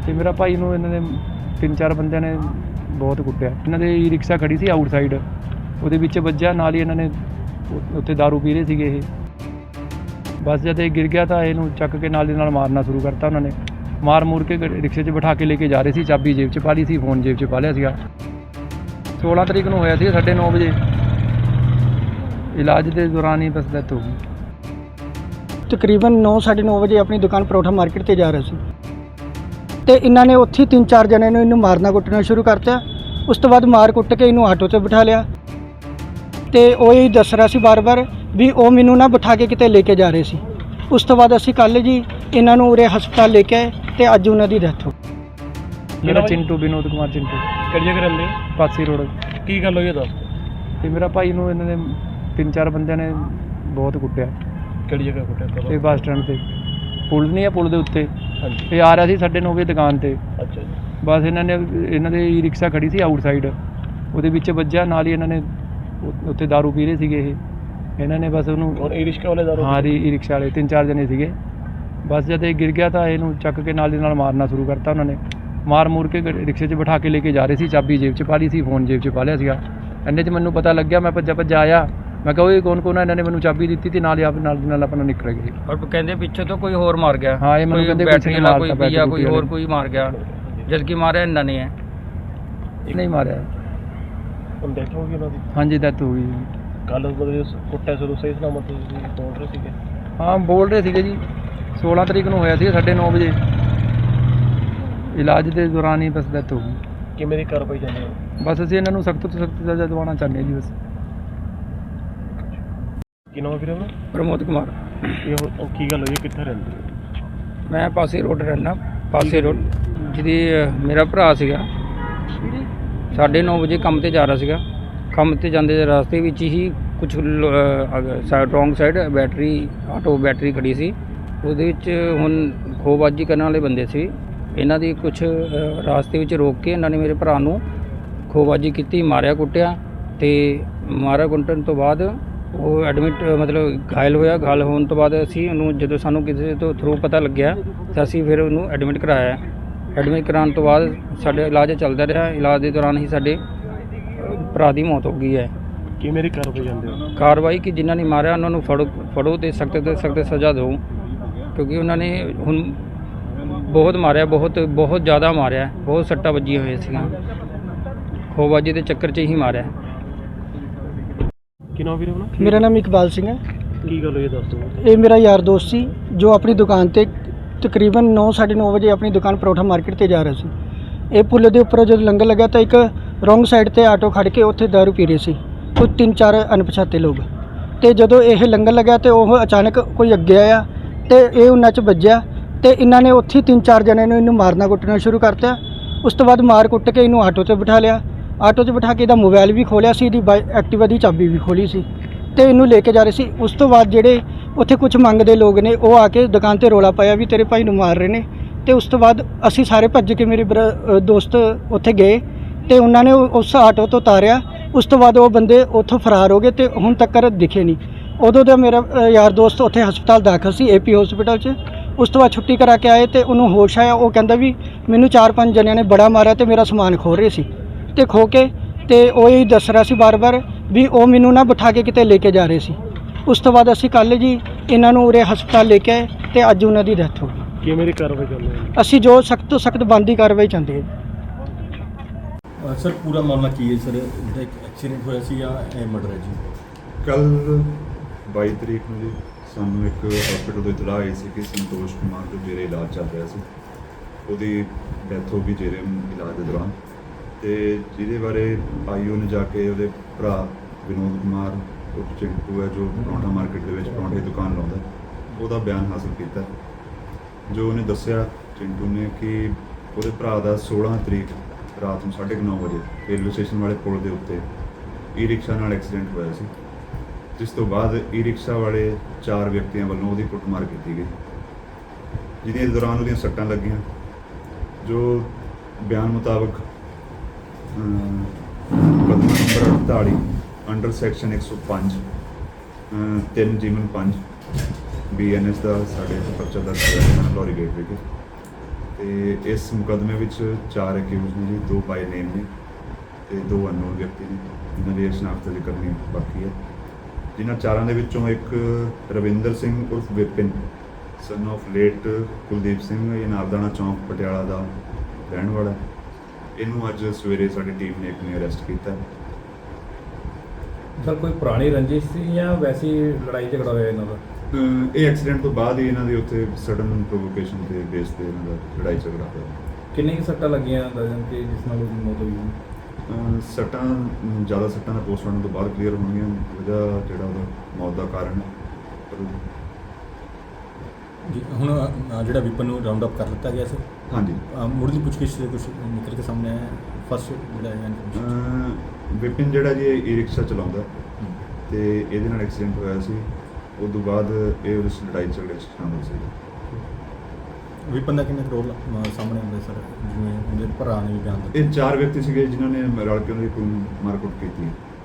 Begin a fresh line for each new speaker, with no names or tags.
ਤੇ ਮੇਰਾ ਭਾਈ ਨੂੰ ਇਹਨਾਂ ਨੇ 3-4 ਬੰਦਿਆਂ ਨੇ ਬਹੁਤ ਕੁੱਟਿਆ। ਇਹਨਾਂ ਦੇ ਈ ਰਿਕਸ਼ਾ ਖੜੀ ਸੀ ਆਊਟਸਾਈਡ, ਉਹਦੇ ਵਿੱਚ ਵੱਜਿਆ, ਨਾਲ ਹੀ ਇਹਨਾਂ ਨੇ ਉੱਥੇ ਦਾਰੂ ਪੀ ਰਹੇ ਸੀਗੇ ਇਹ। ਬਸ ਜਦ ਇਹ ਗਿਰ ਗਿਆ ਤਾਂ ਇਹਨੂੰ ਚੱਕ ਕੇ ਨਾਲ ਦੀ ਨਾਲ ਮਾਰਨਾ ਸ਼ੁਰੂ ਕਰਤਾ ਉਹਨਾਂ ਨੇ। ਮਾਰ ਮੂਰ ਕੇ ਰਿਕਸ਼ੇ 'ਚ ਬਿਠਾ ਕੇ ਲੈ ਕੇ ਜਾ ਰਹੇ ਸੀ, ਚਾਬੀ ਜੇਬ 'ਚ ਪਾ ਲਈ ਸੀ, ਫੋਨ ਜੇਬ 'ਚ ਪਾ ਲਿਆ ਸੀਗਾ। 16 ਤਰੀਕ ਨੂੰ ਹੋਇਆ ਸੀ 9:30 ਵਜੇ। ਇਲਾਜ ਦੇ ਦੌਰਾਨ ਹੀ ਬਸ ਡੈਥ ਹੋ ਗਈ।
ਤਕਰੀਬਨ 9-9:30 ਵਜੇ ਆਪਣੀ ਦੁਕਾਨ ਪਰੌਠਾ ਮਾਰਕੀਟ ਤੇ ਜਾ ਰਹੇ ਸੀ ਤੇ ਇਹਨਾਂ ਨੇ ਉੱਥੇ 3-4 ਜਣੇ ਨੂੰ ਇਹਨੂੰ ਮਾਰਨਾ ਕੁੱਟਣਾ ਸ਼ੁਰੂ ਕਰਤਾ। ਉਸ ਤੋਂ ਬਾਅਦ ਮਾਰ ਕੁੱਟ ਕੇ ਇਹਨੂੰ ਆਟੋ ਤੇ ਬਿਠਾ ਲਿਆ ਤੇ ਉਹ ਹੀ ਦੱਸ ਰਿਹਾ ਸੀ ਬਾਰ-ਬਾਰ ਵੀ ਉਹ ਮੈਨੂੰ ਨਾ ਬਿਠਾ ਕੇ ਕਿਤੇ ਲੈ ਕੇ ਜਾ ਰਹੇ ਸੀ। ਉਸ ਤੋਂ ਬਾਅਦ ਅਸੀਂ ਕੱਲ੍ਹ ਜੀ ਇਹਨਾਂ ਨੂੰ ਉਰੇ ਹਸਪਤਾਲ ਲੈ ਕੇ ਆਏ ਤੇ ਅੱਜ ਉਹਨਾਂ ਦੀ ਡੈਥ ਹੋ ਗਈ।
ਮੇਰਾ ਚਿੰਟੂ, ਵਿਨੋਦ ਕੁਮਾਰ ਚਿੰਟੂ।
ਕਿਹੜੀ ਜਗ੍ਹਾ ਰਹਿੰਦੇ?
ਪਾਸੀ ਰੋਡ।
ਕੀ ਗੱਲ ਹੋਈ ਇਹ ਦੱਸ।
ਤੇ ਮੇਰਾ ਭਾਈ ਨੂੰ ਇਹਨਾਂ ਨੇ 3-4 ਬੰਦਿਆਂ ਨੇ ਬਹੁਤ ਕੁੱਟਿਆ।
ਕਿਹੜੀ ਜਗ੍ਹਾ ਕੁੱਟਿਆ?
ਇਹ ਬੱਸ ਸਟੈਂਡ ਤੇ ਪੁਲ ਨਹੀਂ ਆ, ਪੁਲ ਦੇ ਉੱਤੇ।
ਹਾਂਜੀ।
ਇਹ ਆ ਰਿਹਾ ਸੀ 9:30 ਵਜੇ ਦੁਕਾਨ ਤੇ।
ਅੱਛਾ ਜੀ।
ਬਸ ਇਹਨਾਂ ਦੇ ਈ ਰਿਕਸ਼ਾ ਖੜੀ ਸੀ ਆਊਟਸਾਈਡ, ਉਹਦੇ ਵਿੱਚ ਵੱਜਿਆ, ਨਾਲ ਹੀ ਇਹਨਾਂ ਨੇ ਉੱਥੇ ਦਾਰੂ ਪੀ ਰਹੇ ਸੀਗੇ ਇਹ। ਇਹਨਾਂ ਨੇ ਬਸ ਉਹਨੂੰ
ਔਰ ਈ ਰਿਕਸ਼ਾ ਵਾਲੇ ਦਾਰੂ?
ਹਾਂ, ਈ ਰਿਕਸ਼ਾ ਵਾਲੇ 3-4 ਜਣੇ ਸੀਗੇ। ਬਸ ਜਦ ਇਹ ਗਿਰ ਗਿਆ ਤਾਂ ਇਹਨੂੰ ਚੱਕ ਕੇ ਨਾਲ ਦੀ ਨਾਲ ਮਾਰਨਾ ਸ਼ੁਰੂ ਕਰਤਾ ਉਹਨਾਂ ਨੇ। ਮਾਰ ਮੂਰ ਕੇ ਰਿਕਸ਼ੇ 'ਚ ਬਿਠਾ ਕੇ ਲੈ ਕੇ ਜਾ ਰਹੇ ਸੀ, ਚਾਬੀ ਜੇਬ 'ਚ ਪਾ ਲਈ ਸੀ, ਫੋਨ ਜੇਬ 'ਚ ਪਾ ਲਿਆ ਸੀਗਾ। ਇੰਨੇ 'ਚ ਮੈਨੂੰ ਪਤਾ ਲੱਗਿਆ, ਮੈਂ ਭੱਜਾ ਆਇਆ। ਮੈਂ ਕਿਹਾ ਉਹ ਕੌਣ ਆ, ਇਹਨਾਂ ਨੇ ਮੈਨੂੰ ਚਾਬੀ ਦਿੱਤੀ ਤੇ ਨਾਲ ਦੀ ਨਾਲ ਆਪਣਾ ਨਿਕਲ ਗਏ।
ਔਰ ਕਹਿੰਦੇ ਪਿੱਛੇ ਤੋਂ ਕੋਈ ਹੋਰ ਮਾਰ ਗਿਆ।
ਹਾਂ, ਇਹ ਮੈਨੂੰ ਕਹਿੰਦੇ
ਬੈਟਰੀ ਵਾਲਾ ਕੋਈ ਪੀਆ, ਕੋਈ ਹੋਰ ਕੋਈ ਮਾਰ ਗਿਆ, ਜਦ ਕਿ ਮਾਰਿਆ ਇਹਨਾਂ ਨੇ ਹੈ।
ਨਹੀਂ ਮਾਰਿਆ।
ਹੁਣ ਡੈਥ ਹੋ ਗਈ ਉਹਨਾਂ ਦੀ?
ਹਾਂਜੀ, ਡੈਥ ਹੋ ਗਈ।
ਕੱਲ੍ਹ ਮਤਲਬ ਕੁੱਟਿਆ ਸ਼ੁਰੂ ਸਹੀ ਸਲਾਮਤ ਤੁਸੀਂ ਬੋਲ ਰਹੇ ਸੀਗੇ?
ਹਾਂ, ਬੋਲ ਰਹੇ ਸੀਗੇ ਜੀ। 16 ਤਰੀਕ ਨੂੰ ਹੋਇਆ ਸੀ 9:30 ਵਜੇ। ਇਲਾਜ ਦੇ ਦੌਰਾਨ ਹੀ ਬਸ ਡੈਥ ਹੋ ਗਈ।
ਕਿਵੇਂ ਦੀ ਕਾਰਵਾਈ ਚੱਲ ਰਹੀ ਹੈ?
ਬਸ ਅਸੀਂ ਇਹਨਾਂ ਨੂੰ ਸਖਤ ਤੋਂ ਸਖਤ ਸਜ਼ਾ ਦਿਵਾਉਣਾ ਚਾਹੁੰਦੇ ਹਾਂ ਜੀ ਬਸ।
ਕੀ ਨਾਮ ਵੀਰੇ ਉਹਦਾ?
ਪ੍ਰਮੋਦ ਕੁਮਾਰ।
ਕੀ ਗੱਲ ਹੋਈ ਹੈ, ਕਿੱਥੇ ਰਹਿੰਦੇ?
ਮੈਂ ਪਾਸੇ ਰੋਡ ਰਹਿਣਾ, ਪਾਸੇ ਰੋਡ। ਜਿਹਦੀ ਮੇਰਾ ਭਰਾ ਸੀਗਾ, 9:30 ਵਜੇ ਕੰਮ ਤੇ ਜਾ ਰਿਹਾ ਸੀਗਾ। ਕੰਮ ਤੇ ਜਾਂਦੇ ਰਸਤੇ ਵਿੱਚ ਹੀ ਕੁਝ ਰੋਂਗ ਸਾਈਡ ਆਟੋ ਬੈਟਰੀ ਖੜੀ ਸੀ, ਉਹਦੇ ਵਿੱਚ ਹੁਣ ਖੋਹਬਾਜ਼ੀ ਕਰਨ ਵਾਲੇ ਬੰਦੇ ਸੀ। ਇਹਨਾਂ ਦੀ ਕੁਝ ਰਾਸਤੇ ਵਿੱਚ ਰੋਕ ਕੇ ਇਹਨਾਂ ਨੇ ਮੇਰੇ ਭਰਾ ਨੂੰ ਖੋਹਬਾਜ਼ੀ ਕੀਤੀ, ਮਾਰਿਆ ਕੁੱਟਿਆ। ਤੇ ਮਾਰਿਆ ਕੁੱਟਣ ਤੋਂ ਬਾਅਦ ਉਹ ਐਡਮਿਟ ਮਤਲਬ ਘਾਇਲ ਹੋਇਆ। ਘਾਇਲ ਹੋਣ ਤੋਂ ਬਾਅਦ ਅਸੀਂ ਉਹਨੂੰ, ਜਦੋਂ ਸਾਨੂੰ ਕਿਸੇ ਤੋਂ ਥਰੂ ਪਤਾ ਲੱਗਿਆ ਤਾਂ ਅਸੀਂ ਫਿਰ ਉਹਨੂੰ ਐਡਮਿਟ ਕਰਾਇਆ। ਐਡਮਿਟ ਕਰਾਉਣ ਤੋਂ ਬਾਅਦ ਸਾਡੇ ਇਲਾਜ ਚੱਲਦਾ ਰਿਹਾ। ਇਲਾਜ ਦੇ ਦੌਰਾਨ ਹੀ ਸਾਡੇ ਭਰਾ ਦੀ ਮੌਤ ਹੋ ਗਈ ਹੈ।
ਕਿਵੇਂ ਦੀ ਕਾਰਵਾਈ ਜਾਂਦੇ ਹੋ?
ਕਾਰਵਾਈ ਕਿ ਜਿਨ੍ਹਾਂ ਨੇ ਮਾਰਿਆ ਉਹਨਾਂ ਨੂੰ ਫੜੋ ਤੇ ਸਖਤ ਸਜ਼ਾ ਦਿਓ, ਕਿਉਂਕਿ ਉਹਨਾਂ ਨੇ ਹੁਣ ਬਹੁਤ ਮਾਰਿਆ, ਬਹੁਤ ਜ਼ਿਆਦਾ ਮਾਰਿਆ, ਬਹੁਤ ਸੱਟਾਂ ਵੱਜੀਆਂ ਹੋਈਆਂ ਸੀਗੀਆਂ। ਖੋਹਬਾਜ਼ੀ ਦੇ ਚੱਕਰ 'ਚ ਹੀ ਮਾਰਿਆ।
ਕੀ ਨਾਮ ਵੀਰੇ ਉਹਦਾ?
ਮੇਰਾ ਨਾਮ ਇਕਬਾਲ ਸਿੰਘ ਹੈ।
ਕੀ ਗੱਲ ਹੋਈ ਇਹ ਦੱਸ ਦਿਓ।
ਇਹ ਮੇਰਾ ਯਾਰ ਦੋਸਤ ਸੀ ਜੋ ਆਪਣੀ ਦੁਕਾਨ ਤੇ ਤਕਰੀਬਨ 9-9:30 ਵਜੇ ਆਪਣੀ ਦੁਕਾਨ ਪਰੌਠਾ ਮਾਰਕੀਟ ਤੇ ਜਾ ਰਿਹਾ ਸੀ। ਇਹ ਪੁੱਲ ਦੇ ਉੱਪਰੋਂ ਜਦੋਂ ਲੰਘਣ ਲੱਗਾ ਤਾਂ ਇੱਕ ਰੋਂਗ ਸਾਈਡ ਤੇ ਆਟੋ ਖੜ੍ਹ ਕੇ ਉੱਥੇ ਦਾਰੂ ਪੀ ਰਹੇ ਸੀ ਕੁਝ 3-4 ਅਣਪਛਾਤੇ ਲੋਕ। ਤੇ ਜਦੋਂ ਇਹ ਲੰਘਣ ਲੱਗਾ ਤੇ ਉਹ ਅਚਾਨਕ ਕੋਈ ਅੱਗੇ ਆਇਆ ਤੇ ਇਹ ਉਹਨਾਂ 'ਚ ਵੱਜਿਆ ਤੇ ਇਹਨਾਂ ਨੇ ਉੱਥੇ 3-4 ਜਣੇ ਨੂੰ ਇਹਨੂੰ ਮਾਰਨਾ ਕੁੱਟਣਾ ਸ਼ੁਰੂ ਕਰਤਾ। ਉਸ ਤੋਂ ਬਾਅਦ ਮਾਰ ਕੁੱਟ ਕੇ ਇਹਨੂੰ ਆਟੋ ਤੇ ਬਿਠਾ ਲਿਆ। ਆਟੋ 'ਚ ਬਿਠਾ ਕੇ ਇਹਦਾ ਮੋਬਾਈਲ ਵੀ ਖੋਲਿਆ ਸੀ, ਇਹਦੀ ਐਕਟਿਵਾ ਦੀ ਚਾਬੀ ਵੀ ਖੋਲੀ ਸੀ ਤੇ ਇਹਨੂੰ ਲੈ ਕੇ ਜਾ ਰਹੇ ਸੀ। ਉਸ ਤੋਂ ਬਾਅਦ ਜਿਹੜੇ ਉੱਥੇ ਕੁਝ ਮੰਗਦੇ ਲੋਕ ਨੇ ਉਹ ਆ ਕੇ ਦੁਕਾਨ ਤੇ ਰੌਲਾ ਪਾਇਆ ਵੀ ਤੇਰੇ ਭਾਈ ਨੂੰ ਮਾਰ ਰਹੇ ਨੇ। ਤੇ ਉਸ ਤੋਂ ਬਾਅਦ ਅਸੀਂ ਸਾਰੇ ਭੱਜ ਕੇ ਮੇਰੇ ਦੋਸਤ ਉੱਥੇ ਗਏ ਤੇ ਉਹਨਾਂ ਨੇ ਉਸ ਆਟੋ ਤੋਂ ਉਤਾਰਿਆ। ਉਸ ਤੋਂ ਬਾਅਦ ਉਹ ਬੰਦੇ ਉੱਥੋਂ ਫਰਾਰ ਹੋ ਗਏ ਤੇ ਹੁਣ ਤੱਕ ਦਿਖੇ ਨਹੀਂ। ਉਦੋਂ ਦਾ ਮੇਰਾ ਯਾਰ ਦੋਸਤ ਉੱਥੇ ਹਸਪਤਾਲ ਦਾਖਲ ਸੀ, AP ਹਸਪਤਾਲ 'ਚ। ਉਸ ਤੋਂ ਬਾਅਦ ਛੁੱਟੀ ਕਰਾ ਕੇ ਆਏ ਤੇ ਉਹਨੂੰ ਹੋਸ਼ ਆਇਆ। ਉਹ ਕਹਿੰਦਾ ਵੀ ਮੈਨੂੰ 4-5 ਜਣਿਆਂ ਨੇ ਬੜਾ ਮਾਰਿਆ ਤੇ ਮੇਰਾ ਸਮਾਨ ਖੋਹ ਰਹੇ ਸੀ ਤੇ ਖੋ ਕੇ ਤੇ ਉਹ ਹੀ ਦੱਸ ਰਿਹਾ ਸੀ ਬਾਰ-ਬਾਰ ਵੀ ਉਹ ਮੈਨੂੰ ਨਾ ਬਿਠਾ ਕੇ ਕਿਤੇ ਲੈ ਕੇ ਜਾ ਰਹੇ ਸੀ। ਉਸ ਤੋਂ ਬਾਅਦ ਅਸੀਂ ਕੱਲ੍ਹ ਜੀ ਇਹਨਾਂ ਨੂੰ ਉਰੇ ਹਸਪਤਾਲ ਲੈ ਕੇ ਆਏ ਤੇ ਅੱਜ ਉਹਨਾਂ ਦੀ ਡੈਥ ਹੋ ਗਈ।
ਕਿਵੇਂ ਦੀ ਕਾਰਵਾਈ ਚੱਲ ਰਹੀ ਹੈ?
ਅਸੀਂ ਜੋ ਸਖਤ ਤੋਂ ਸਖਤ ਬਣਦੀ ਕਾਰਵਾਈ ਚਾਹੁੰਦੇ ਹਾਂ।
ਸਰ ਪੂਰਾ ਮਾਮਲਾ ਕੀ ਹੈ ਸਰ? ਜਿਹੜਾ ਇੱਕ ਐਕਸੀਡੈਂਟ ਹੋਇਆ ਸੀ ਜਾਂ ਇਹ ਮਰਡਰ ਹੈ ਜੀ?
ਕੱਲ੍ਹ 22 ਤਰੀਕ ਨੂੰ ਜੀ ਸਾਨੂੰ ਇੱਕ ਹਸਪੀਟਲ ਤੋਂ ਇਤਲਾਹ ਆਈ ਸੀ ਕਿ ਸੰਤੋਸ਼ ਕੁਮਾਰ ਜੋ ਜੇਰੇ ਇਲਾਜ ਚੱਲ ਰਿਹਾ ਸੀ, ਉਹਦੀ ਡੈਥ ਹੋ ਗਈ ਜੇਰੇ ਇਲਾਜ ਦੇ ਦੌਰਾਨ। ਤੇ ਜਿਹਦੇ ਬਾਰੇ ਆਈਓ ਨੇ ਜਾ ਕੇ ਉਹਦੇ ਭਰਾ ਵਿਨੋਦ ਕੁਮਾਰ ਉਹ ਚਿੰਟੂ ਹੈ ਜੋ ਪਰੌਂਠਾ ਮਾਰਕੀਟ ਦੇ ਵਿੱਚ ਪਰੌਂਠੇ ਦੀ ਦੁਕਾਨ ਲਾਉਂਦਾ, ਉਹਦਾ ਬਿਆਨ ਹਾਸਲ ਕੀਤਾ। ਜੋ ਉਹਨੇ ਦੱਸਿਆ ਚਿੰਟੂ ਨੇ ਕਿ ਉਹਦੇ ਭਰਾ ਦਾ 16 ਤਰੀਕ ਰਾਤ ਨੂੰ 9:30 ਵਜੇ ਰੇਲਵੇ ਸਟੇਸ਼ਨ ਵਾਲੇ ਪੁਲ ਦੇ ਉੱਤੇ ਈ ਰਿਕਸ਼ਾ ਨਾਲ ਐਕਸੀਡੈਂਟ ਹੋਇਆ ਸੀ, ਜਿਸ ਤੋਂ ਬਾਅਦ ਈ ਰਿਕਸ਼ਾ ਵਾਲੇ 4 ਵਿਅਕਤੀਆਂ ਵੱਲੋਂ ਉਹਦੀ ਕੁੱਟਮਾਰ ਕੀਤੀ ਗਈ, ਜਿਹਦੇ ਦੌਰਾਨ ਉਹਦੀਆਂ ਸੱਟਾਂ ਲੱਗੀਆਂ। ਜੋ ਬਿਆਨ ਮੁਤਾਬਕ ਮੁਕੱਦਮਾ ਨੰਬਰ 48 ਅੰਡਰ ਸੈਕਸ਼ਨ 105 3/5 BNS ਦਾ ਸਾਡੇ ਪਰਚਾ ਦਰਜ ਹੋਇਆ ਲਾਹੌਰੀ ਗੇਟ ਵਿਖੇ। ਤੇ ਇਸ ਮੁਕੱਦਮੇ ਵਿੱਚ 4 ਅਕਿਊਜ਼ ਨੇ ਜੀ, 2 ਬਾਈ ਨੇਮ ਨੇ ਤੇ 2 ਅਨਨੋਨ ਵਿਅਕਤੀ ਨੇ ਜਿਨ੍ਹਾਂ ਦੀ ਸ਼ਨਾਖਤ ਅਜੇ ਕਰਨੀ ਬਾਕੀ ਹੈ। ਜਿਨ੍ਹਾਂ ਚਾਰਾਂ ਦੇ ਵਿੱਚੋਂ ਇੱਕ ਰਵਿੰਦਰ ਸਿੰਘ ਉਰਫ Vipin son of late Kuldeep Singh, ਇਹ ਨਾਰਦਾਨਾ ਚੌਂਕ ਪਟਿਆਲਾ ਦਾ ਰਹਿਣ ਵਾਲਾ। ਇਹਨੂੰ ਅੱਜ ਸਵੇਰੇ ਸਾਡੀ ਟੀਮ ਨੇ ਇੱਕ ਨੇ ਅਰੈਸਟ ਕੀਤਾ।
ਸਰ ਕੋਈ ਪੁਰਾਣੀ ਰੰਜਿਸ਼ ਸੀ ਜਾਂ ਵੈਸੀ ਲੜਾਈ ਝਗੜਾ ਹੋਇਆ ਇਹਨਾਂ ਦਾ?
ਇਹ ਐਕਸੀਡੈਂਟ ਤੋਂ ਬਾਅਦ ਹੀ ਇਹਨਾਂ ਦੇ ਉੱਥੇ ਸਡਨ ਪ੍ਰੋਵੋਕੇਸ਼ਨ ਤੇ ਬੇਸ ਤੇ ਇਹਨਾਂ ਦਾ ਲੜਾਈ ਝਗੜਾ ਹੋਇਆ।
ਕਿੰਨੀ ਕੁ ਸੱਟਾਂ ਲੱਗੀਆਂ ਅੰਦਾਜ਼ਨ ਕਿ ਜਿਸ ਨਾਲ ਉਹਦੀ ਮੌਤ ਹੋਈ?
ਸੱਟਾਂ ਜ਼ਿਆਦਾ ਸੱਟਾਂ ਦਾ ਪੋਸਟਮਾਰਟਮ ਤੋਂ ਬਾਅਦ ਕਲੀਅਰ ਹੋਣਗੀਆਂ ਵਜ੍ਹਾ ਜਿਹੜਾ ਉਹਦਾ ਮੌਤ ਦਾ ਕਾਰਨ ਪਰ
ਜੀ ਹੁਣ ਜਿਹੜਾ ਵਿਪਨ ਨੂੰ ਰਾਉਂਡ ਅਪ ਕਰ ਦਿੱਤਾ ਗਿਆ ਸੀ।
ਹਾਂਜੀ
ਮੁੱਢਲੀ ਪੁੱਛਗਿੱਛ ਦੇ ਕੁਝ ਨਿਕਲ ਕੇ ਸਾਹਮਣੇ ਆਇਆ ਫਸਟ ਜਿਹੜਾ ਹੈ
ਵਿਪਿਨ ਜਿਹੜਾ ਜੀ ਇਹ ਈ ਰਿਕਸ਼ਾ ਚਲਾਉਂਦਾ ਤੇ ਇਹਦੇ ਨਾਲ ਐਕਸੀਡੈਂਟ ਹੋਇਆ ਸੀ। ਉਸ ਤੋਂ ਬਾਅਦ ਇਹ ਉਸ ਲੜਾਈ ਝਗੜੇ 'ਚ ਸ਼ਾਮਲ ਸੀ।
ਵਿਪਨ ਦਾ ਕਿੰਨਾ ਰੋਲ ਸਾਹਮਣੇ ਆਉਂਦਾ ਸਰ, ਜਿਵੇਂ ਉਹਦੇ ਭਰਾ ਨੇ ਵੀ ਬਿਆਨ ਦਿੱਤਾ?
ਇਹ 4 ਵਿਅਕਤੀ ਸੀਗੇ ਜਿਨ੍ਹਾਂ ਨੇ ਰਲ ਕੇ ਉਹਨਾਂ ਦੀ ਕੋਈ ਮਾਰਕੁੱਟ ਕੀਤੀ।